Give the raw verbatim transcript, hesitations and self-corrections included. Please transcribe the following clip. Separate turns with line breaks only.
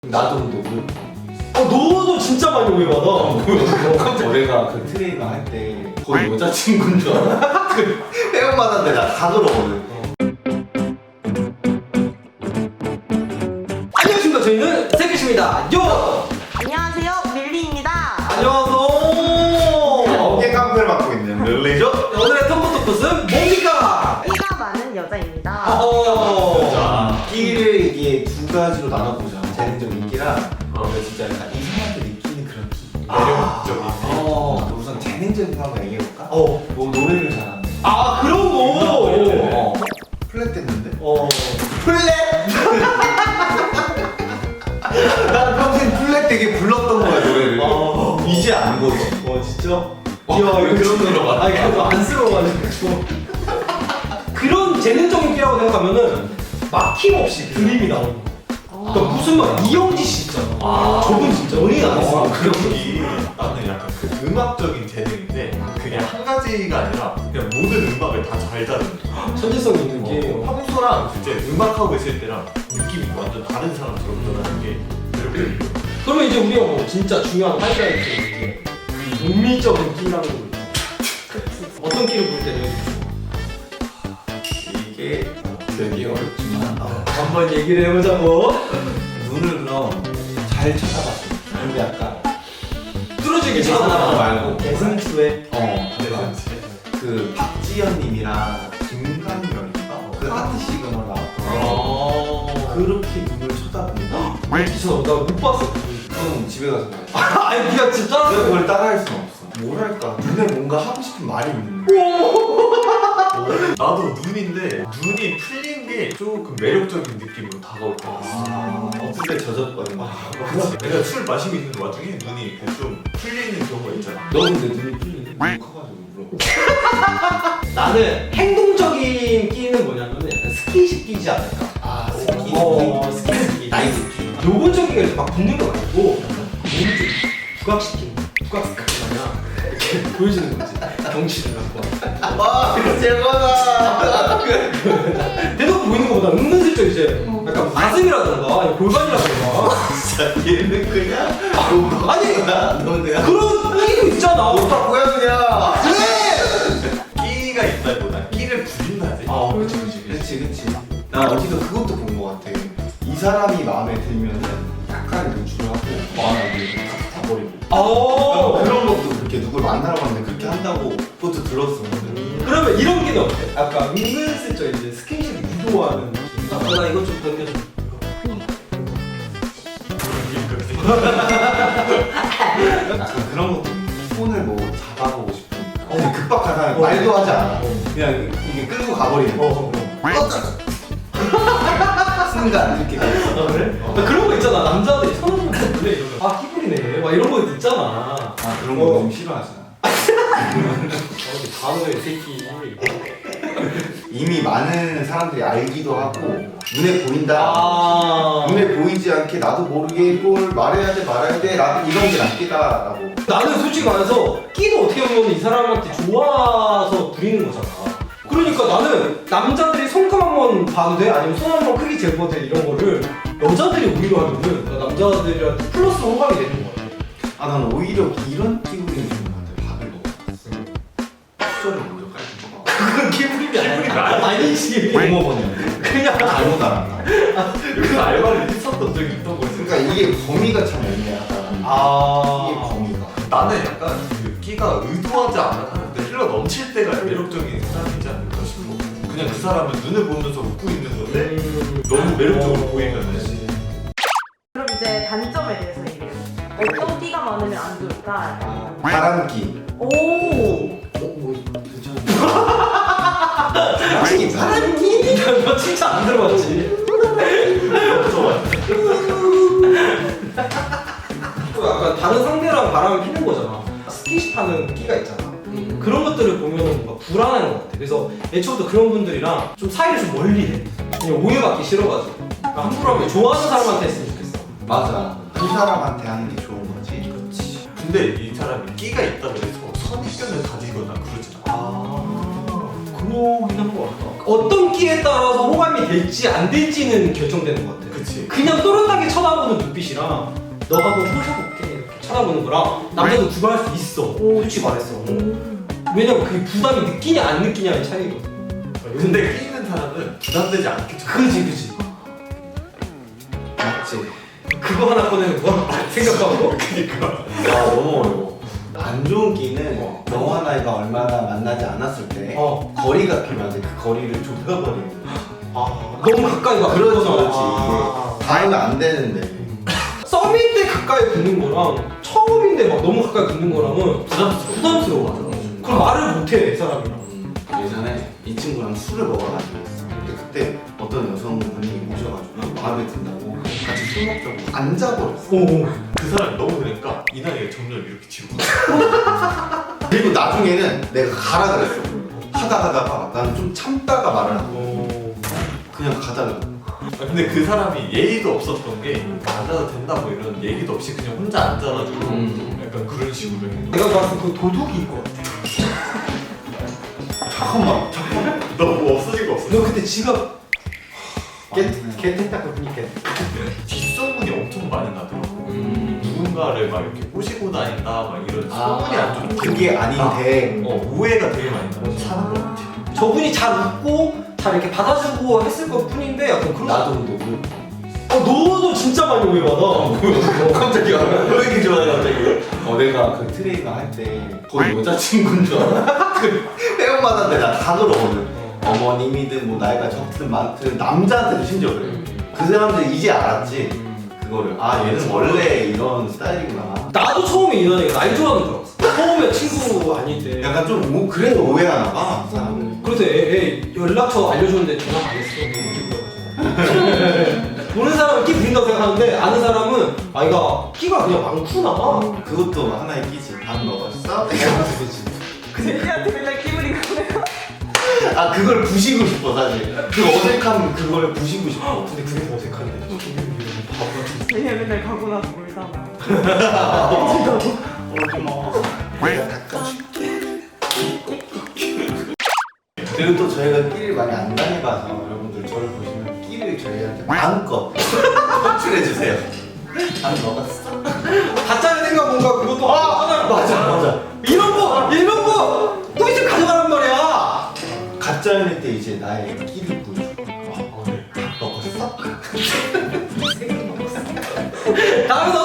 나도 너무
어, 너도 진짜 많이 오해받아.
어, 내가 그 트레이너 할 때 거의 여자친구인 줄 알아. 그 회원받았는데 나 다 그러거든.
안녕하십니까. 저희는 세계십니다. 요!
안녕하세요, 밀리입니다.
안녕하세요.
어깨 깡패를 맡고 있는 릴리죠?
오늘의 텀버 토크는 뭡니까?
끼가 많은 여자입니다.
어.
자, 끼를 이게 두 가지로 나눠보자. 재능적인 끼랑 어, 진짜 약간 이상하게 느끼는 그런 끼. 매력적인 끼.
어.
우선 재능적인 거 한번 얘기해볼까?
어.
뭐 노래를 잘하는.
아, 그런 거.
어. 플랫 됐는데?
어.
플랫! 난 평생 플랫 되게 불렀던 거야 노래를.
아.
이제 안 거지.
어, 진짜?
어, 왜 그런 노래로 가?
아니, 그래도 안쓰러워가지고. 그런 재능적인 끼라고 생각하면은 막힘없이 드림이 나오는 거. 그러니까 무슨 말 이영지 씨 있잖아.
아.
저분 진짜 연예인 안 했어.
그런 게 나는 약간 그 음악적인 재능인데 그게 한 가지가 아니라 그냥 모든 음악을 다 잘 다루는 거야.
천재성 있는 게.
어, 평소랑 진짜 음악하고 있을 때랑 느낌이 완전 다른 사람처럼 변하는 게 매력적인 거야.
그러면 이제 우리가 뭐 진짜 중요한 하이라이트 이게 은미적인 끼라는 거 있죠. 어떤 끼를 볼 때는
이게 되게 어렵지만 어,
한번 얘기를 해보자고.
눈을 그럼 잘 쳐다봤어. 근데 약간
뚫어지게
계산하는 거
찾아봐.
말고
대승추에.
어
네,
약간 그 박지현님이랑 김강렬인가 그 하트 시그널 나왔던
아.
그렇게 눈을 쳐다본다.
진짜 나못 봤어.
그럼 집에 가서 봐야지.
아니 그냥 진짜.
내가 그걸 따라할 수는 없어. 뭐랄까 눈에 뭔가 하고 싶은 말이 있는 거.
나도 눈인데 눈이 풀린 게 조금 매력적인 느낌으로 다가올 것 같아.
아, 없을 때 젖었거든.
그렇지. 내가 술 마시고 있는 와중에 눈이 이렇게 좀 풀리는 경우가 있잖아.
너 근데 눈이 풀리는데 눈이 커가지고 물어.
나는 행동적인 끼는 뭐냐면 약간 스킨십 끼지 않을까.
아 스키.
어, 스킨십 끼.
나이스 끼.
요건적인 게 막 붙는 거 말고 몸을 좀 부각시키는 부각시키는 마냥 이렇게 보여주는 거지. 경치를 갖고.
와 최고다.
대놓고 보이는 것보다 은근슬쩍 이제 약간 가슴이라던가 아니 골반이라던가
진짜 얘는 그냥
아니
너 그냥
그런 끼도 있잖아.
오빠 고양이야.
끼가 있다기보다 끼를 부린다지.
아 그렇지 그렇지.
그렇지 그렇지. 나 어디서 그것도 본 거 같아. 이 사람이 마음에 들면은 약간 노출하고 마음에 다 버리고.
아
그런 것도 그렇게 누굴 만나러 갔는데 그렇게 한다고 그것도 들었어.
그러면 이런 끼는 어때? 약간 은근슬쩍 이제 스킨십을 유도하는 느낌. 아, 나 이것 좀 당겨줘.
약간 그런 것도 있는데 손을 뭐 잡아보고 싶으니까.
어.
근데 급박하다
어.
말도 하지 않아.
어.
그냥 이게 끌고 가버리는 거.
어,
순간 이렇게 가.
아 그래? 나 그런 거 있잖아. 남자들이 서는 거 원래 이러면 아 끼부리네. 막 이런 거 있잖아.
아 그런 거
어.
좀 싫어하잖아.
단어의 새끼.
이미 많은 사람들이 알기도 하고 눈에 보인다.
아.
눈에 보이지 않게 나도 모르게 이걸 말해야 돼 말아야 돼 라고 이런 게 낫겠다라고.
나는 솔직히 말해서 끼도 어떻게 보면 이 사람한테 좋아서 부리는 거잖아. 그러니까 나는 남자들이 손금 한 번 봐도 돼? 아니면 손 한 번 크기 재봐도 돼? 이런 거를 여자들이 오히려 하면은 나 남자들한테 플러스 호감이 되는 거 같아.
아 난 오히려 이런 끼부림이 좋은 것 같아. 밥을 먹어. 수저를 먼저 깔고 먹어.
그건 끼부림이 아니야. 아니지.
못 먹었는데
그냥
잘못 알았나.
여기서 알바를 했었던 적이 있던 거였어.
그러니까 이게 범위가 참 애매하다.
아.
이게 범위가.
나는 약간 그 끼가 의도하지 않았는데 흘러 넘칠 때가 매력적인 사람이지 않을까 싶어. 그냥 그 사람은 눈을 보면서 웃고 있는 건데
음.
너무 매력적으로
어.
보이면은
그럼 이제 단점에 대해서 얘기해요. 어떤 끼가 많으면 안 좋을까?
바람기.
오!
어뭐 괜찮은데. 바람기 바람기.
너 칭찬 안 들어봤지?
좋아.
또 약간 다른 상대랑 바람을 피는 거잖아. 스킨십 하는 끼가 있잖아. 그런 것들을 보면은 뭔가 불안한 것 같아. 그래서 애초부터 그런 분들이랑 좀 사이를 좀 멀리 해. 그냥 오해받기 싫어가지고. 그러니까 함부로 하면 좋아하는 사람한테 했으면 좋겠어.
맞아. 그 사람한테 하는 게 좋은 거지.
그렇지.
근데 이 사람이 끼가 있다고 해서 선입견을 가지거나 그러진 않아.
아, 그러긴 한 것 같다. 어떤 끼에 따라서 호감이 될지 안 될지는 결정되는 것 같아.
그치.
그냥 또렷하게 쳐다보는 눈빛이랑 너가 한번 꼬셔볼게 이렇게 쳐다보는 거랑 남자도 구별할 수 있어.
오.
솔직히 말했어.
음.
왜냐면 그게 부담이 느끼냐 안 느끼냐의 차이거든.
근데 끼는 사람은 부담되지 않게 쳐.
그지 그지.
맞지?
그거 하나 꺼내는 거 생각하고.
그니까.
아 너무 어려워. 안 좋은 끼는 너와 나이가 얼마나 만나지 않았을 때
어.
거리가 필요한데 그 거리를 좁혀버리는 거야.
아 너무 가까이 가.
그렇지 그렇지
아.
이게 닿으면 안 되는데
썸일 때 가까이 붙는 거랑 처음인데 막 너무 가까이 붙는 거랑은
부담스러워.
부담스러워.
음.
그럼 말을 못해 사람이랑.
음, 예전에 이 친구랑 술을 먹어가지고 있어. 근데 그때 어떤 여성분이 오셔가지고 마음에 든다고 같이 술 먹자고 앉아버렸어.
오.
그 사람이 너무 그러니까 이 나이에 점점 이렇게 지고 가.
그리고 나중에는 내가 가라 그랬어. 하다 하다가 나는 좀 참다가 말을 하고
오.
그냥 가달라.
아, 근데 그 사람이 예의도 없었던 게 앉아도 된다 뭐 이런 얘기도 없이 그냥 혼자 앉아가지고
음.
약간 그런 식으로 해.
내가 봤을 때 그 도둑일 것 같아.
잠깐만 잠깐만.
너뭐 없어진 거 없어?
너 그때 지갑
깨-
개택딱 보니까
뒷소문이 엄청 많이 나더라고.
음.
누군가를 막 이렇게 꼬시고 다닌다 막 이런
아,
소문이 안 좋고
그게 아닌데
어, 오해가 되게 많이 나서 사는 거 같아.
저분이 잘 웃고 잘 이렇게 받아주고 했을 것 뿐인데 약간 그런.
나도 너무
어 너도 진짜 많이 오해받아.
어, 깜짝이야. 왜 이렇게 좋아해 갑자기? 어 내가 그 트레이너 할 때 거의 여자친구인 줄 알아. 그 회원마다 내가 다 그러거든. 어머님이든 뭐 나이가 적든 많든 남자한테도 심지어 그래. 그 사람들이 이제 알았지. 그거를 아 얘는 원래 이런 스타일이구나.
나도 처음에 이현이가 날 좋아하는 줄 알았어. 처음에 친구 아닐 때.
약간 좀 오, 그래도 오해하나 봐 사람들.
그래서 애, 애 연락처 알려줬는데 전화 안 했어. 너무 기쁘다고. 모르는 사람은 끼 부린다고 생각하는데 아는 사람은 아 이가 끼가 그냥 많구나.
그것도 하나의 끼지. 밥 먹었어?
그치.
제니한테 맨날 끼부린 거예요.
아 그걸 부시고 싶어 사실. 그 어색함 그걸 부시고 싶어.
근데 그게 더 어색한데. 바보.
제니가 맨날 가고 나서 울잖아.
오지 마. 내가 닦아줄게. 그리고 또 저희가 끼를 많이 안 당해봐서 여러분들 저를 보시면 끼를 저희한테 마음껏 호출해주세요. 밥 먹었어?
가짜는 생각 뭔가 그것도 아
맞아 맞아.
이런 거 이런 거또 이제 가져가란 말이야.
가짜 연애 때 이제 나의 끼를 보여줘. 아,
어, 네.
먹었어?
다음에